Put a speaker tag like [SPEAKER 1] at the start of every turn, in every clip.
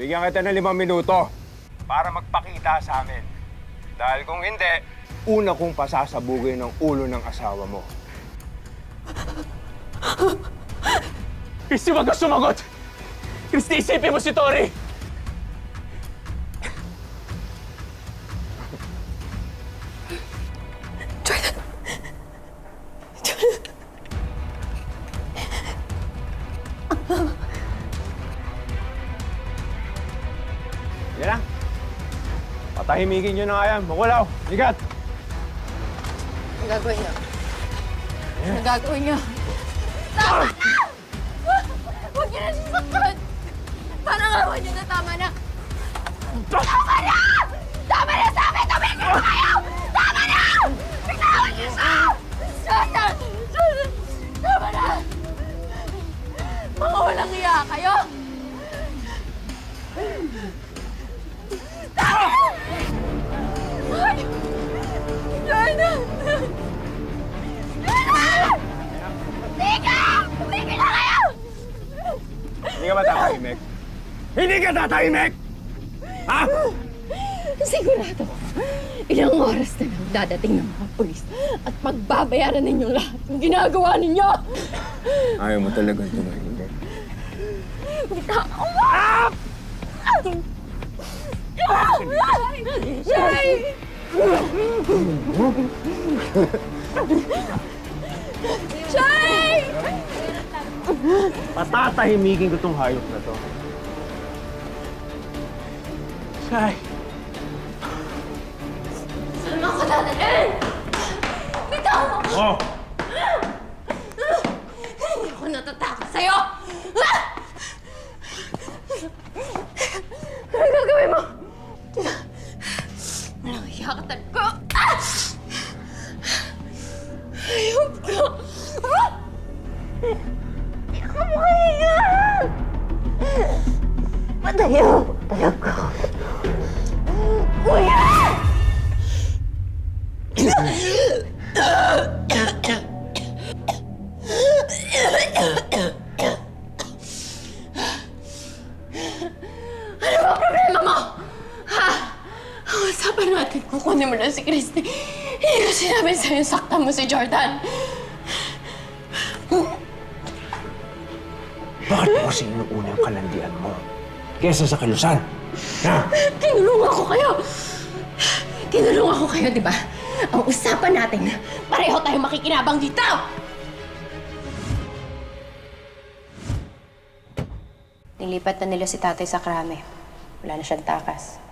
[SPEAKER 1] bigyan kita ng 5 minuto para magpakita sa amin. Dahil kung hindi, una kong pasasabugin ng ulo ng asawa mo.
[SPEAKER 2] Christy, wag ka sumagot! Christy, isipin mo si Tori!
[SPEAKER 1] Yan lang. Patahimikin nyo na nga yan. Makulaw. Ligat.
[SPEAKER 3] Ang gagawin niyo? Ang gagawin niyo? Tama na! Huwag niyo na sasaktan! Parang awan niyo na, tama na! Tama na! Tama na sa amin! Tumigil na kayo! Tama na! Biglawan niyo siya! Jordan! Jordan! Tama na! Mga walang iya kayo! Tama na! Ay! Jordan! Jordan! Tigil! Tumigil na kayo!
[SPEAKER 1] Hindi ka ba tatahimik? Hindi ka tatahimik! Ha?
[SPEAKER 3] Sigurado, ilang oras na lang dadating ng mga pulis at pagbabayaran ninyong lahat ng ginagawa ninyo!
[SPEAKER 1] Ayaw mo talagang tumahimik.
[SPEAKER 3] Ah! Shay! Shay!
[SPEAKER 1] Patatahimikin ko tong hayop na to.
[SPEAKER 2] Shay!
[SPEAKER 3] Saan mo ako dadalhin? Bitaw mo!
[SPEAKER 1] Oh!
[SPEAKER 3] Hindi ako natatakot sa'yo! Ano gagawin mo? Walang hiya ka talaga! Ayop ka! Hindi ka makahiya! Patayo! Talaga! Kuya! Ano ba problema mo? Ha? Ang usapan natin, kukunin mo na si Christy. Hindi ko sinabi sa'yo, saktan mo si Jordan.
[SPEAKER 1] Bakit mo kasi inuuna ang kalandian mo? Kesa sa kilusan? Ha?
[SPEAKER 3] Tinulungan ko kayo! Tinulungan ko kayo, di ba? Ang usapan natin, pareho tayo makikinabang dito!
[SPEAKER 4] Nilipat na nila si tatay sa krame. Wala na siyang takas.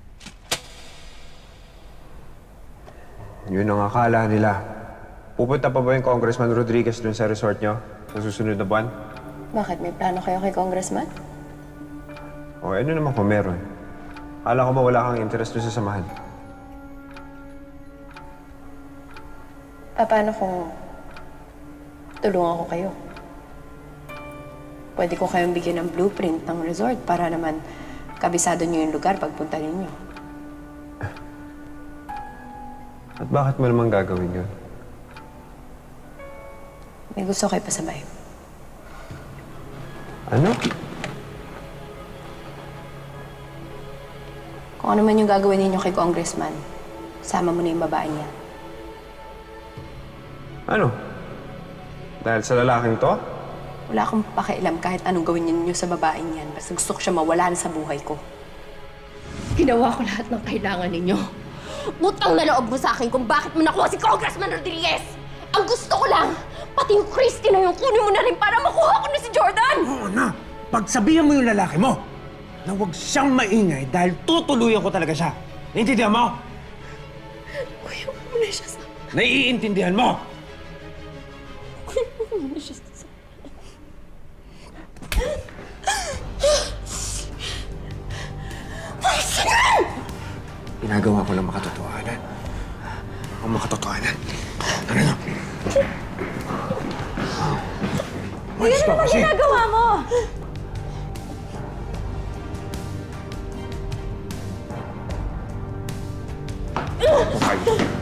[SPEAKER 1] Yun ang akala nila. Pupunta pa ba yung Congressman Rodriguez dun sa resort nyo sa susunod na buwan?
[SPEAKER 4] Bakit? May plano kayo kay Congressman?
[SPEAKER 1] O ano naman kung meron? Akala ko ba wala kang interest dun sa samahan?
[SPEAKER 4] Paano kung tulungan ko kayo? Pwede ko kayong bigyan ng blueprint ng resort para naman kabisado niyo yung lugar pagpunta ninyo.
[SPEAKER 1] At bakit mo naman gagawin yun?
[SPEAKER 4] May gusto kayo pasabay.
[SPEAKER 1] Ano?
[SPEAKER 4] Kung ano man yung gagawin ninyo kay Congressman, sama mo na yung babae niya.
[SPEAKER 1] Ano? Dahil sa lalaking to?
[SPEAKER 4] Wala akong pakialam kahit anong gawin ninyo sa babaeng yan. Basta gusto ko siya mawala na sa buhay ko.
[SPEAKER 3] Ginawa ko lahat ng kailangan ninyo. Utang na loob mo sa akin kung bakit mo nakuha si Congressman Rodriguez! Ang gusto ko lang, pati yung Christy na yung kunin mo na rin para makuha ko na si Jordan!
[SPEAKER 5] Oo na! Pagsabihan mo yung lalaki mo na huwag siyang maingay dahil tutuluyan ko talaga siya. Naiintindihan mo?
[SPEAKER 3] Kuya, huwag mo na siya sa...
[SPEAKER 5] Naiintindihan mo?
[SPEAKER 3] Kuya, huwag mo na siya sa...
[SPEAKER 5] Ginagawa ko lang makatotohanan. Ang makatotohanan. Ano na? Malis ka kasi!
[SPEAKER 3] Ginagawa mo!
[SPEAKER 1] Okay.